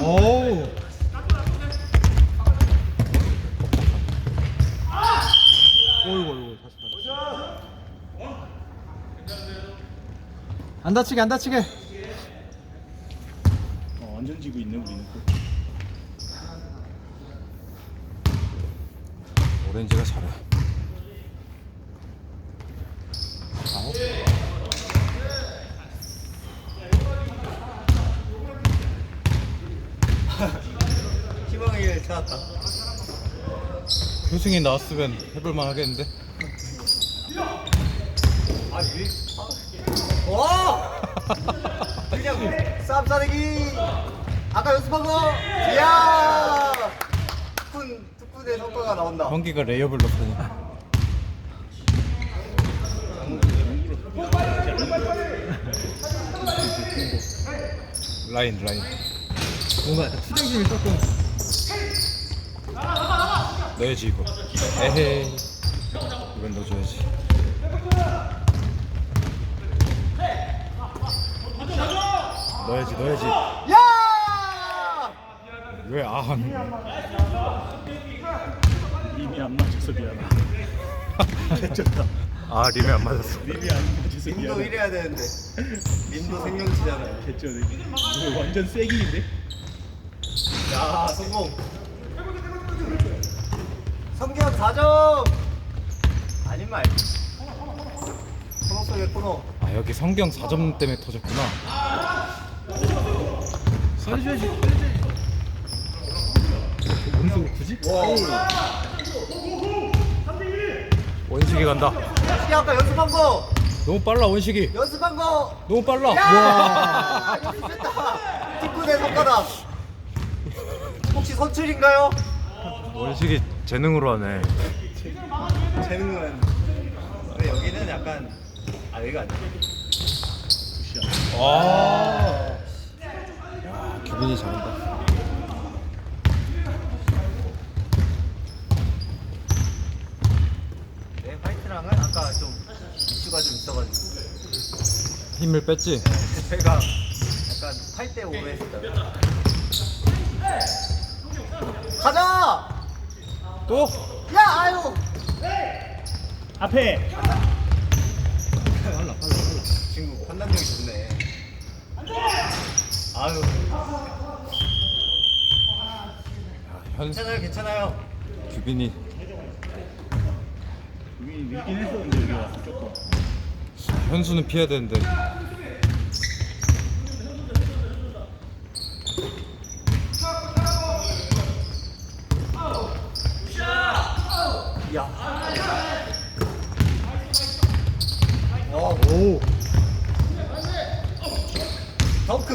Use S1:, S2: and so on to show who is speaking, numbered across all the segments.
S1: 오. 어이구 다시 안 다치게 안 다치게.
S2: 완전 지고 있네 우리는.
S1: 오렌지가 잘해. 아홉.
S3: 희망을 찾았다.
S1: 효승이 나왔으면 해볼만 하겠는데.
S3: 와! 그냥 쌈 싸대기. 아까 연습한 거. 이야! 특훈의 성과가 나온다.
S1: 형기가 레이업을 넣더니. 라인. 뭔가 약간 투정심이 조금. 넣어야지 이거. 에헤이. 이건 넣어줘야지. 넣어야지.
S3: 야!
S1: 왜 하는
S2: 림이 안 맞아서 미안해. 개쩐다.
S1: 아 림이 안 맞았어.
S2: 림이 안 맞아서
S3: 림도
S2: 미안해.
S3: 이래야 되는데. 림도 생명치잖아요.
S2: 개쩐네. 이거 완전 세기인데?
S3: 야, 성공. 성경 4점. 아닌 말. 코너 속의 코너.
S1: 아 여기 성경 4점 때문에 터졌구나. 살려줘야지. 뭔 굳이? 원식이 간다.
S3: 시기 아까 연습한 거.
S1: 너무 빨라 원식이.
S3: 연습한 거.
S1: 너무 빨라.
S3: 야! 연습했다. 특훈의 성과다. 혹시 선출인가요?
S1: 원식이 재능으로 하네.
S3: 재능은. 근데 여기는 약간 여기가 아니야.
S1: 아. 야 규빈이 잘한다.
S3: 네, 화이트랑은 아까 좀 이슈가 좀 있어가지고
S1: 힘을 뺐지.
S3: 제가 약간 8대 5로 했어요. 가자!
S1: 또?
S3: 야, 아유!
S2: 앞에!
S3: 빨라. 친구 판단력이 좋네. 아유.
S1: 현
S3: 괜찮아요.
S1: 규빈이
S2: 우리 밀긴 했었는데 여기 와서 조금.
S1: 현수는 피해야 되는데.
S3: 야. 와,
S1: 오.
S3: 덩크.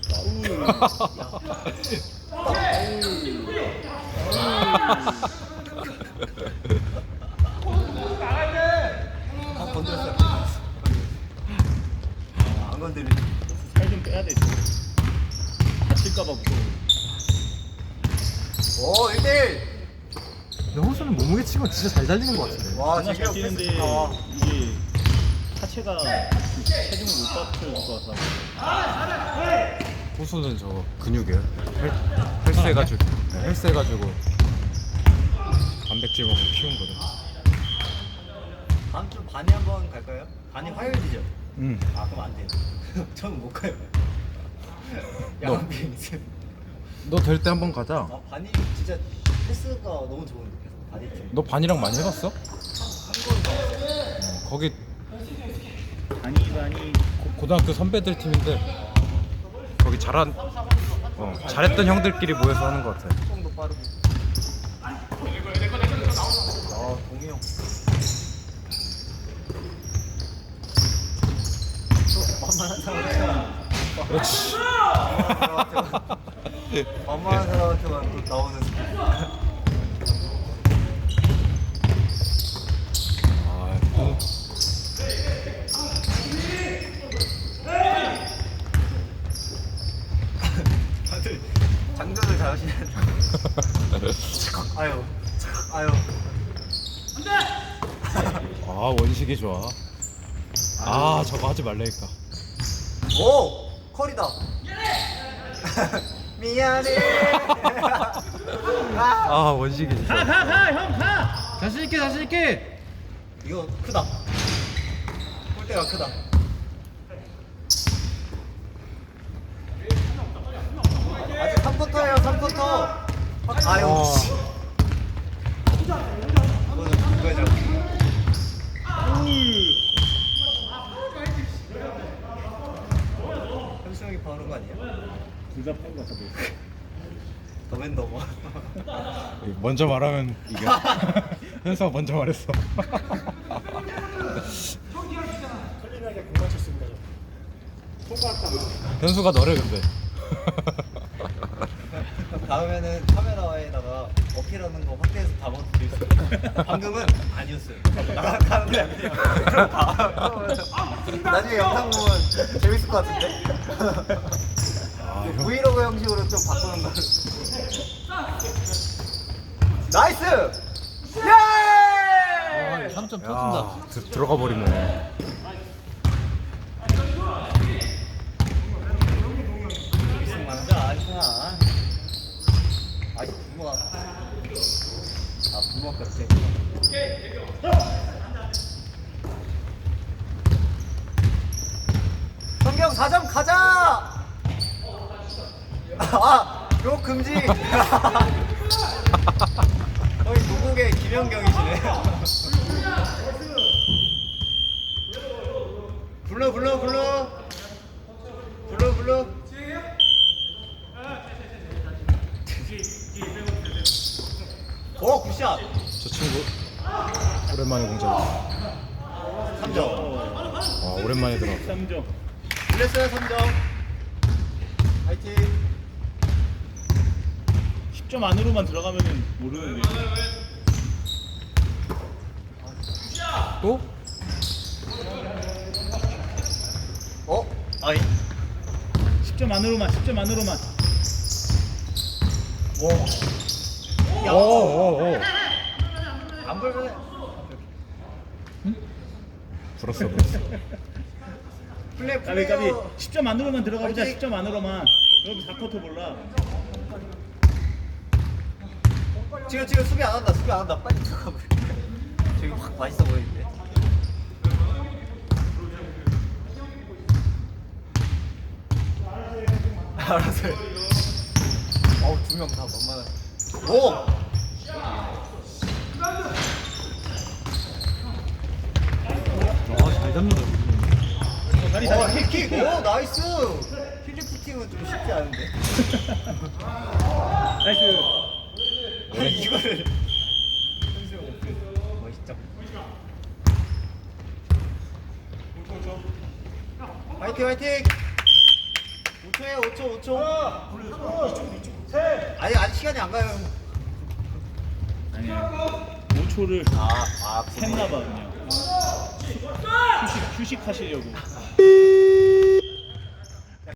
S3: 건드렸어요. 안 건드리.
S2: 살 좀 빼야 돼. 다칠까봐 무서워.
S3: 오, 1대1.
S1: 근데 호수는 몸무게 치고 진짜 잘 달리는 것 같은데.
S3: 와,
S2: 정말 잘 뛰는데 이게 하체가 체중을 못 받쳐줄 것 같아.
S1: 호수는 저 근육이에요. 헬스해가지고. 네, 헬스해가지고 단백질 먹고 키운 거든.
S3: 다음 주 반이 한번 갈까요? 반이 화요일이죠?
S1: 응.
S3: 아, 그럼 안 돼요. 저는 못 가요.
S1: 너.
S3: 야간 비행 있어요.
S1: 너 될 때 한번 가자.
S3: 아, 반이 진짜 패스가 너무 좋은데. 반이 팀.
S1: 너 반이랑 많이 해봤어? 거기
S2: 반이
S1: 고등학교 선배들 팀인데 거기 잘했던 형들끼리 모여서 하는 것 같아.
S3: 속도 빠르고. 아, 동희 형. 또 만만한 사람한테만.
S1: 그렇지.
S3: 만만한 사람한테만 또 나오는 스킬.
S1: 아, 또
S3: 다들 장전을 잘하시네. 아유, 아유.
S1: 아 원식이 좋아. 아 저거 하지 말라니까.
S3: 오, 컬이다. 미안해.
S1: 아 원식이 진짜.
S2: 형 가.
S1: 자신 있게.
S3: 이거 크다. 골대가 크다. 아직 3쿼터예요. 3쿼터. 아유. 씨. 이거는 누구의 잘못? 현수 형이 파는 거 아니야?
S2: 둘다 파울 같아 보여.
S3: 더맨더머.
S1: 먼저 말하면 이겨. 현수가 먼저 말했어.
S2: 클린하게 공 맞췄습니다.
S1: 현수가 너래 근데.
S3: 다음에는 카메라에다가 어필하는 거 확대해서 담아드릴 수 있어요. 방금은 아니었어요. 나가는 게 아니에요. 그럼 나중에 영상 보면 재밌을 것 같은데? 브이로그 형식으로 좀 바꾸는 거. 나이스! 예!
S1: 3점 터진다. 들어가 버리네.
S3: 만자 아니구나. 아직 부모가. 부모가 같지. 성경 4점 가자! 요 금지! 거의 무국의 김연경이시네. 불러. 오, 굿샷!
S1: 저 친구 오랜만에 공잡았어.
S3: 3점.
S1: 오랜만에 들어.
S2: 3점.
S3: 불렸어요, 3점. 화이팅!
S2: 10점 안으로만 들어가면은 모르는데.
S1: 또?
S3: 아이.
S2: 10점 안으로만.
S3: 와.
S1: 오.
S3: 안 불면
S1: 불었어.
S3: 플레이.
S2: 까비 10점 안으로만 들어가보자.
S3: 화이팅!
S2: 10점 안으로만. 여기 4쿼터 몰라.
S3: 지금 수비 안 한다. 빨리 들어가고. 저기 확 맛있어 보이는데. 알았어. 어우, 2명 다 만만해. 오!
S1: 잘 잡는다.
S2: 다리
S3: 킥! 오, 나이스! 힐리프팅은 좀 쉽지 않은데.
S2: 나이스.
S3: 이거를. 멋있죠. 화이팅! 5초에 5초. 아직 시간이 안 가요.
S2: 아니야. 5초를
S3: 샜나
S2: 샜나봐 그냥. 휴식하시려고.